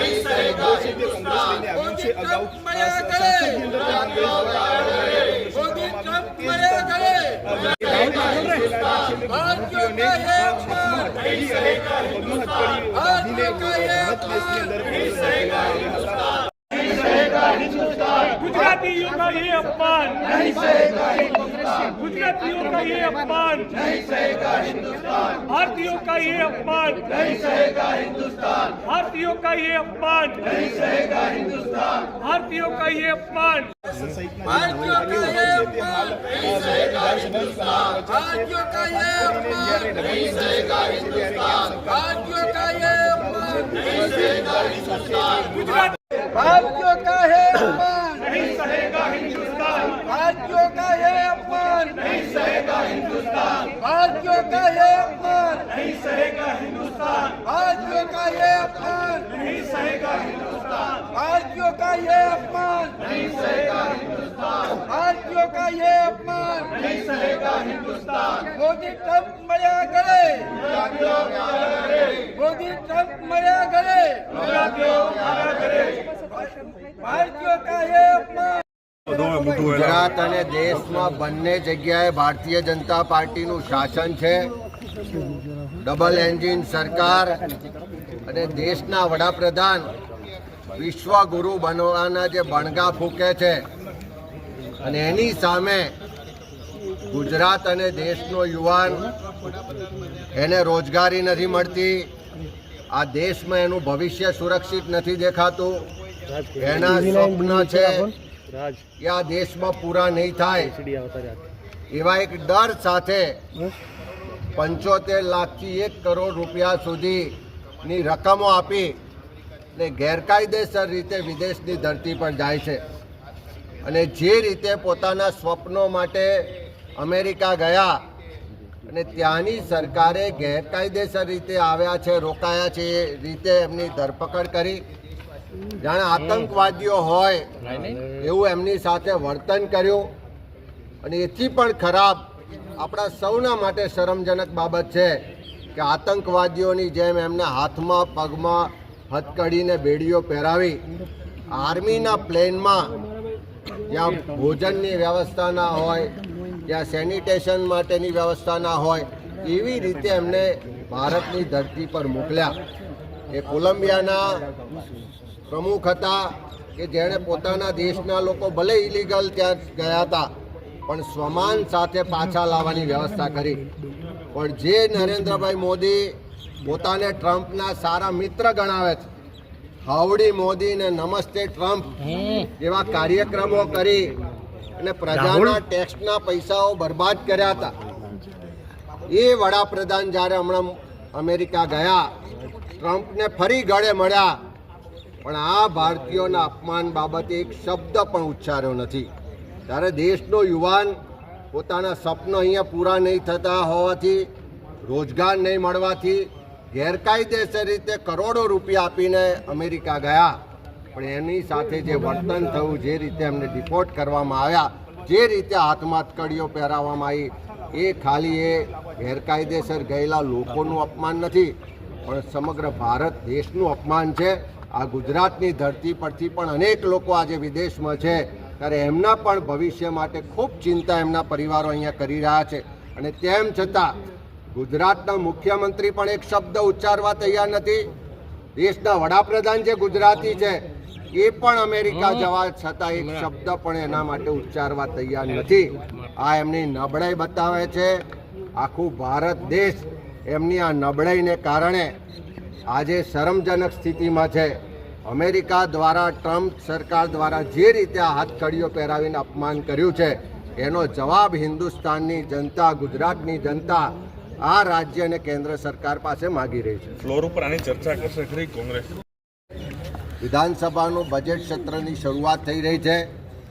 गुजरातियों का ये अपमान नहीं सहेगा हिंदुस्तान। गुजरातियों का ये अपमान नहीं सहेगा हिंदुस्तान। भारतीयों का ये अपमान नहीं सहेगा हिंदुस्तान। भारतीयों का ये अपमान नहीं सहेगा हिंदुस्तान। भारतीयों का ये अपमान भारतीयों का ये अपमान नहीं सहेगा हिंदुस्तान। भारतीयों का ये अपमान नहीं सहेगा हिंदुस्तान। भारतीयों का ये अपमान नहीं सहेगा हिंदुस्तान। गुजरात भारतीयों का है अपमान नहीं सहेगा हिंदुस्तान। भारतीयों का ये अपमान नहीं सहेगा हिंदुस्तान। भारतीयों का ये अपमान नहीं सहेगा हिंदुस्तान। भारतीयों का ये अपमान नहीं सहेगा हिंदुस्तान। भारतीयों का ये अपमान नहीं सहेगा हिंदुस्तान। भारतीयों का ये अपमान नहीं सहेगा हिंदुस्तान। मोदी ट्रंप मर्या गले, मोदी ट्रंप मर्या गले, भारतीयों का ये अपमान। ગુજરાત અને દેશમાં બંને જગ્યાએ ભારતીય જનતા પાર્ટીનું શાસન છે। ડબલ એન્જિન સરકાર અને દેશના વડાપ્રધાન વિશ્વગુરુ બનવાના જે બણગા ફૂંકે છે અને એની સામે ગુજરાત અને દેશનો યુવાન એને રોજગારી નથી મળતી, આ દેશમાં એનું ભવિષ્ય સુરક્ષિત નથી દેખાતું, એના સ્વપ્ન છે કે આ દેશમાં પૂરા નહીં થાય એવા એક ડર સાથે 75 લાખથી 1 કરોડ રૂપિયા સુધીની રકમો આપી ને ગેરકાયદેસર રીતે વિદેશની ધરતી પર જાય છે અને જે રીતે પોતાના સ્વપ્નો માટે અમેરિકા ગયા અને ત્યાંની સરકારે ગેરકાયદેસર રીતે આવ્યા છે, રોકાયા છે, એ રીતે એમની ધરપકડ કરી, જાણે આતંકવાદીઓ હોય એવું એમની સાથે વર્તન કર્યું અને એથી પણ ખરાબ આપણા સૌના માટે શરમજનક બાબત છે કે આતંકવાદીઓની જેમ એમને હાથમાં પગમાં હથકડીને બેડીઓ પહેરાવી આર્મીના પ્લેનમાં જ્યાં ભોજનની વ્યવસ્થા ના હોય, જ્યાં સેનિટેશન માટેની વ્યવસ્થા ના હોય એવી રીતે એમને ભારતની ધરતી પર મોકલ્યા। એ કોલંબિયાના પ્રમુખ હતા કે જેણે પોતાના દેશના લોકો ભલે ઇલીગલ ત્યાં ગયા હતા પણ સ્વમાન સાથે પાછા લાવવાની વ્યવસ્થા કરી। પણ જે નરેન્દ્રભાઈ મોદી પોતાને ટ્રમ્પના સારા મિત્ર ગણાવે છે, હાવડી મોદી ને નમસ્તે ટ્રમ્પ જેવા કાર્યક્રમો કરી અને પ્રજાના ટેક્સના પૈસાઓ બરબાદ કર્યા હતા, એ વડાપ્રધાન જ્યારે હમણાં અમેરિકા ગયા ટ્રમ્પને ફરી ગળે મળ્યા પણ આ ભારતીયોના અપમાન બાબતે એક શબ્દ પણ ઉચ્ચાર્યો નથી। ત્યારે દેશનો યુવાન પોતાના સપનો અહીંયા પૂરા નહીં થતા હોવાથી, રોજગાર નહીં મળવાથી ગેરકાયદેસર રીતે કરોડો રૂપિયા આપીને અમેરિકા ગયા પણ એની સાથે જે વર્તન થયું, જે રીતે એમને ડિપોર્ટ કરવામાં આવ્યા, જે રીતે હાથમાં હથકડીઓ પહેરાવવામાં આવી, એ ખાલી એ ગેરકાયદેસર ગયેલા લોકોનું અપમાન નથી પણ સમગ્ર ભારત દેશનું અપમાન છે। આ ગુજરાતની ધરતી પરથી પણ અનેક લોકો આજે વિદેશમાં છે ત્યારે એમના પણ ભવિષ્ય માટે ખૂબ ચિંતા એમના પરિવારો અહીંયા કરી રહ્યા છે અને તેમ છતાં ગુજરાતના મુખ્યમંત્રી પણ એક શબ્દ ઉચ્ચારવા તૈયાર નથી। દેશના વડાપ્રધાન જે ગુજરાતી છે એ પણ અમેરિકા જવા છતાં એક શબ્દ પણ એના માટે ઉચ્ચારવા તૈયાર નથી। આ એમની નબળાઈ બતાવે છે। આખું ભારત દેશ એમની આ નબળાઈને કારણે આજે શરમજનક સ્થિતિમાં છે। અમેરિકા દ્વારા, ટ્રમ્પ સરકાર દ્વારા જે રીતે આ હાથકડીઓ પહેરાવીને અપમાન કર્યું છે એનો જવાબ હિન્દુસ્તાનની જનતા, ગુજરાતની જનતા આ રાજ્ય અને કેન્દ્ર સરકાર પાસે માગી રહી છે। ફ્લોર ઉપર આની ચર્ચા કરશે ખરી કોંગ્રેસ? વિધાનસભાનું બજેટ સત્રની શરૂઆત થઈ રહી છે।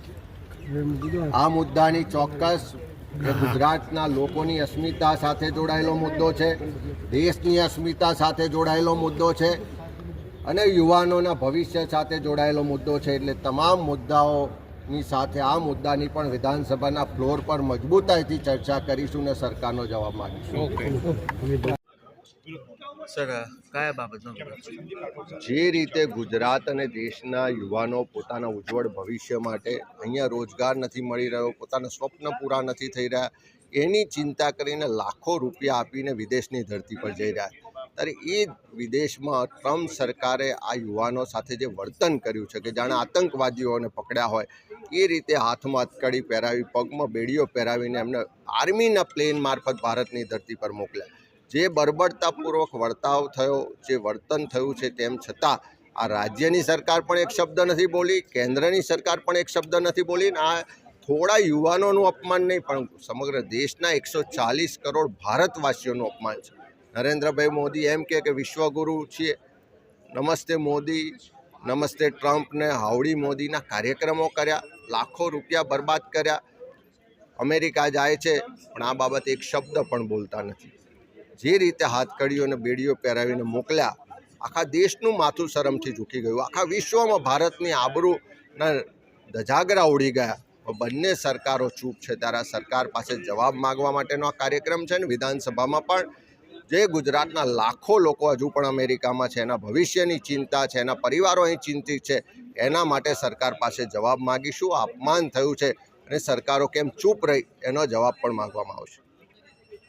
આ મુદ્દાની ચોક્કસ એ ગુજરાતના લોકોની અસ્મિતા સાથે જોડાયેલો મુદ્દો છે, દેશની અસ્મિતા સાથે જોડાયેલો મુદ્દો છે અને યુવાનોના ભવિષ્ય સાથે જોડાયેલો મુદ્દો છે। એટલે તમામ મુદ્દાઓની સાથે આ મુદ્દાની પણ વિધાનસભાના ફ્લોર પર મજબૂતાઈથી ચર્ચા કરીશું અને સરકારનો જવાબ માંગીશું। સર કયા બાબતનો વિરોધ? જે રીતે ગુજરાત અને દેશના યુવાનો પોતાના ઉજ્જવળ ભવિષ્ય માટે અહીંયા રોજગાર નથી મળી રહ્યો, પોતાના સ્વપ્ન પૂરા નથી થઈ રહ્યા, એની ચિંતા કરીને લાખો રૂપિયા આપીને વિદેશની ધરતી પર જઈ રહ્યા. ત્યારે એ વિદેશમાં ટ્રમ્પ સરકારે આ યુવાનો સાથે જે વર્તન કર્યું છે કે જાણે આતંકવાદીઓને પકડ્યા હોય એ રીતે હાથમાં હથકડી પહેરાવી, પગમાં બેડીઓ પહેરાવીને એમને આર્મીના પ્લેન મારફત ભારતની ધરતી પર મોકલ્યા. જે બર્બરતાપૂર્વક વર્તાવ થયો, જે વર્તન થયું છે, તેમ છતાં આ રાજ્યની સરકાર પણ એક શબ્દ નથી બોલી, કેન્દ્રની સરકાર પણ એક શબ્દ નથી બોલી. આ થોડા યુવાનોનું અપમાન નહીં પણ સમગ્ર દેશના 140 કરોડ ભારતવાસીઓનું અપમાન છે. નરેન્દ્રભાઈ મોદી એમ કે વિશ્વગુરુ છીએ, નમસ્તે મોદી, નમસ્તે ટ્રમ્પને હાવડી મોદીના કાર્યક્રમો કર્યા, લાખો રૂપિયા બરબાદ કર્યા. અમેરિકા જાય છે પણ આ બાબતે એક શબ્દ પણ બોલતા નથી. જે રીતે હાથકડીઓ અને બેડીઓ પહેરાવીને મોકલ્યા, આખા દેશનું માથું શરમથી ઝૂકી ગયું, આખા વિશ્વમાં ભારતની આબરૂના ધજાગરા ઉડી ગયા. બંને સરકારો ચૂપ છે. ત્યારે આ સરકાર પાસે જવાબ માગવા માટેનો આ કાર્યક્રમ છે. ને વિધાનસભામાં પણ જે ગુજરાતના લાખો લોકો હજુ પણ અમેરિકામાં છે, એના ભવિષ્યની ચિંતા છે, એના પરિવારો અહીં ચિંતિત છે, એના માટે સરકાર પાસે જવાબ માગીશું. અપમાન થયું છે અને સરકારો કેમ ચૂપ રહી એનો જવાબ પણ માગવામાં આવશે.